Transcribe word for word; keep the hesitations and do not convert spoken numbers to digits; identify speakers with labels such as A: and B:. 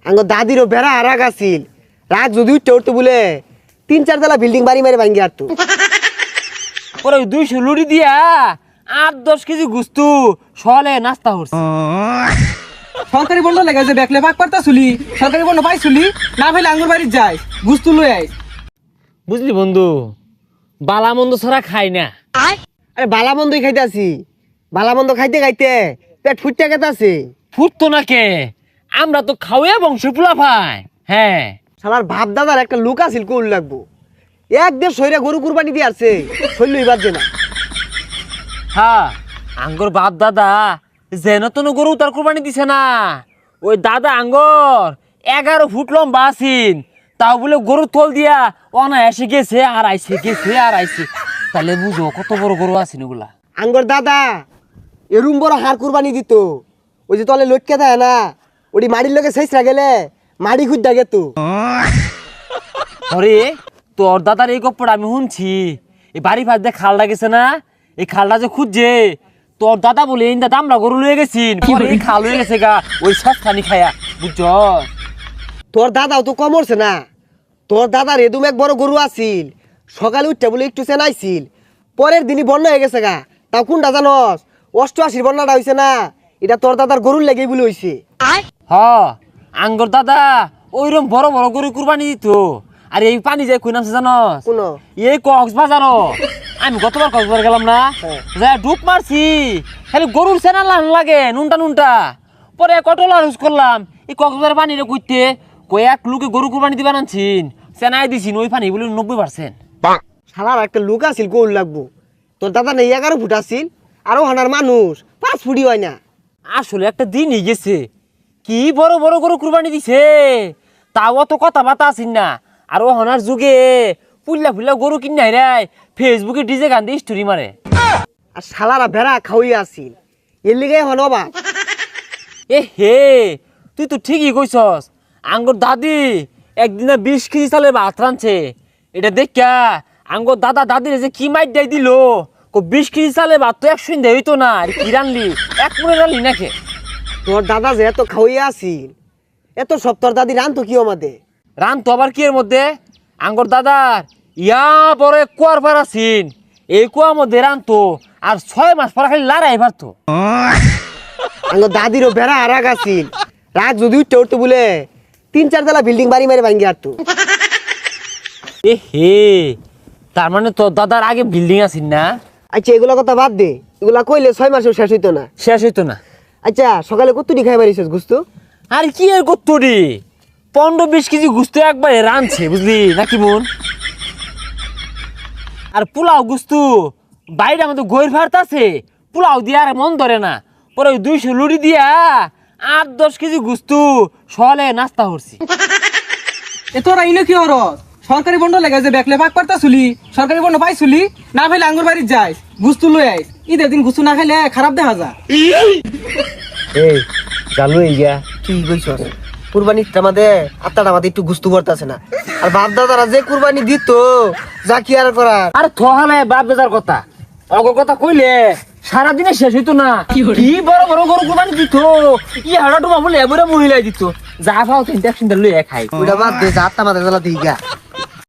A: আঙ্গ দাদিরও বেড়া আর রাগ আছিল রাগ যদি উঠতে উঠতে বলে তিন চার তলা বিল্ডিং বাড়ি মারে ভাঙ্গি আর তো
B: পরে দুইশো লুড়ি দিয়া আট দশ কেজি গুস্তু সলে নাস্তা হচ্ছে।
C: সরকারি বন্ধ লেগে যে দেখলে পাক পারতা চুলি সরকারি বন্ধ পাইছুলি না ভাইলে আঙ্গুর বাড়ি যাই গুস্তু লই আই।
B: বুঝলি বন্ধু, বালা মন্দ ছাড়া খাই না।
A: আরে বালা মন্দই খাইতে আছি, বালা মন্দ খাইতে খাইতে পেট ফুটতে গেতে আছে।
B: ফুটতো না কে, আমরা তো খাওয়া বংশ পোলা ভাই। হ্যাঁ
A: সালার বাপ দাদার একটা লোক আছিল কোল লাগবো এক দেড় সইরা গরু কুরবানি দিয়ে আসছে শৈল এবার যে না।
B: হ্যাঁ আঙ্গর বাপ দাদা যেন তেন গরু তার কুরবানি দিছে না। ওই দাদা আঙ্গর এগারো ফুট লম্বা আছিন, তাও বলে গরু তোল দিয়া অনায়াসে গেছে আর আইসে গেছে আর আইসে। তাহলে বুঝো কত বড় গরু আছিন ওগুলা।
A: আঙ্গর দাদা এরুম বড় হার কুরবানি দিত, ওই যে তলে লটকে থাকে না ওটি মাড়ির লোকে শেষরা গেলে মাড়ি খুঁজ থাকে তো।
B: আরে তোর দাদার এই গপ্পটা আমি শুনছি। এই বাড়ি ফাঁস দিয়ে খালটা গেছে না, এই খালটা যে খুঁজছে তোর দাদা বলে এই দাদা আমরা গরু লয়ে গেছিন, পরে এই খাল হয়ে গেছে গা ওই সস্তানি খায়া। বুঝছ
A: তোর দাদাও তো কমরছে না, তোর দাদার এদুম এক বড় গরু আছিল সকালে উঠতে বলে একটু চেনাইছিল, পরের দিনই বন্যা হয়ে গেছে গা। তাও কোনটা জানস? অষ্টআশির বন্যাটা হয়েছে না, এটা তোর দাদার গরুর লেগেই বলে হয়েছে।
B: হ আঙ্গর দাদা ওইরকম বড় বড় গরু কুরবানি দিত। আর এই পানি যায় কই নামছে জানস?
A: কোন
B: এই কক্সবাজার। আমি গতবার কক্সবাজার গেলাম না, যা ডুব মারছি খালি গরুর সেনা লান লাগে নুনটা নুনটা। পরে কটলা ইউজ করলাম এই কক্সবাজার পানিরে কইতে কই এক লোকে গরু কুরবানি দিবা আনছিন, সেনাই দিছিন ওই পানি বলে নব্বই পার্সেন্ট।
A: শালার একটা লোক আছিল গোল লাগবো, তোর দাদা নেই এগারো ফুট আছিল আরো হানার মানুষ পাঁচ ফুটি হয় না।
B: আসলে একটা দিনই গেছে, কি বড় বড় গরু কুরবানি দিছে, তাও অত কথা বাতা আসিন না। আর ও হনার যুগে পুল্লা ফুল্লা গরু কিনে রায় ফেসবুকে ডিজে গান দিয়ে স্টোরি মারে।
A: আর শালারা ভেড়া খাওয়াই আছিল এর লিগে হন অবাক।
B: এ হে তুই তো ঠিকই কইছস। আঙ্গর দাদি একদিনে বিশ কেজি চালে ভাত রাঁধছে, এটা দেখা আঙ্গর দাদা দাদির যে কি মাইট দেয় দিল। বিশ কেজি চালে ভাত তো একশো দেয় হইতো না, আর কি রানলি এক মনে রানলি নাকি?
A: তোর দাদা যে এত খাওয়াই আছিল এত সব তোর দাদি রান তো কি আমাদের
B: রান তো আবার কি এর মধ্যে আঙ্গর দাদার ইয়া বড় এক কুয়ার পার আছিন, এই কুয়ার মধ্যে রান তো আর ছয় মাস পর খালি লড়াই পারতো।
A: আমার দাদিরও বেড়া আর রাগ আছিল রাগ যদি উঠতে উঠতে বলে তিন চার তলা বিল্ডিং বাড়ি মারে ভাঙ্গি আর তো।
B: এ হে তার মানে তোর দাদার আগে বিল্ডিং আছিন না?
A: আচ্ছা এগুলা কথা বাদ দে, এগুলা কইলে ছয় মাসেও শেষ হইতো না।
B: শেষ হইতো না।
A: আচ্ছা সকালে কতটি খাই মারিছিস গুস্তু?
B: আর কি এর কত্তরি পনেরো বিশ কেজি গুস্ত একবারে রাঁধছে বুঝলি নাকি মন। আর পোলাও গুস্তু বাইরে আমাদের গৈর ভাত আছে, পোলাও দিয়ে আর মন ধরে না। পরে ওই দুইশো লুড়ি দিয়া আট দশ কেজি গুস্তু সলে নাস্তা করছি।
C: এ তোরা ইনো কি হর সরকারি বন্ধ লেগে যে দেখলে পাক পারতা চুলি সরকারি বন্ধ পাইছুলি না ভাইলে আঙ্গুর বাড়ি যাই গুস্তু লই আই। ঈদের দিন গুস্তু না খাইলে খারাপ দেখা যায়।
A: এই জানো ইয়া কি কইছস? কুরবানিটা আমাদের আত্মাটা আমাদের একটু গুস্তু করতেছে না। আর বাপ দাদারা যে কুরবানি দিত যা কি আর করার।
B: আর থহালে বাপ বেজার কথা অগর কথা কইলে সারাদিনে শেষ হইতো না। কি বড় বড় গরু কুরবানি দিত, ই হাড়া ডুমা বলে এবারে মহিলাই দিত। যা পাও তিনটা সিন্টা লইয়া খাই।
A: ওইটা বাদ দে, যা আত্মা আমাদের জ্বালা দিই গা।